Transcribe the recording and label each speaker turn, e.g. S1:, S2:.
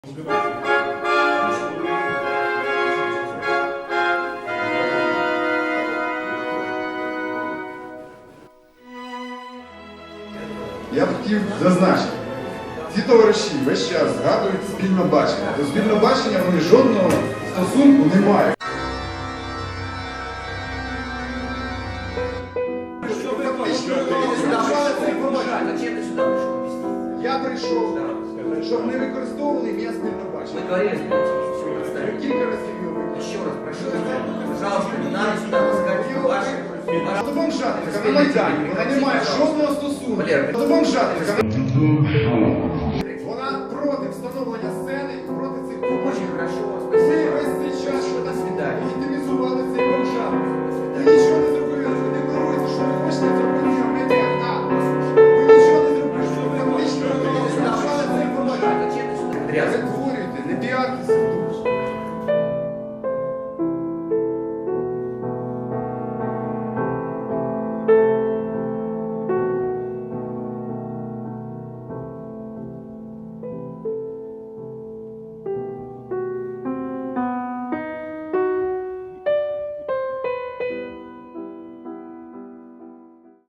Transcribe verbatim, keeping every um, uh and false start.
S1: Я б хотів зазначити, ці товариші весь час згадують спільне бачення. До спільного бачення вони жодного стосунку не мають. Я прийшов, щоб не використовували ім'я спільного бачення.
S2: Мы говорили с Валентином, все
S1: Кілька разів його використовували.
S2: Еще раз прошу, пожалуйста, не надо сюда пускать ваши...
S1: До бомжатника на Майдані вона не має жодного стосунку.
S2: Валера,
S1: До бомжатника. Вона проти встановлення сцени, проти цих
S2: Очень хорошо,
S1: Ви
S2: спасибо.
S1: весь цей час
S2: До свидания.
S1: легітимізували цей бомжатник. Ви нічого не зробили, ви декларуєте, що ви хочете зробити, а ми не так. Ви нічого не зробили, що ви фактично легітимізували цей бомжатник.
S2: Зачем ты сюда грязь?
S1: Перетворюйте, не піартеся.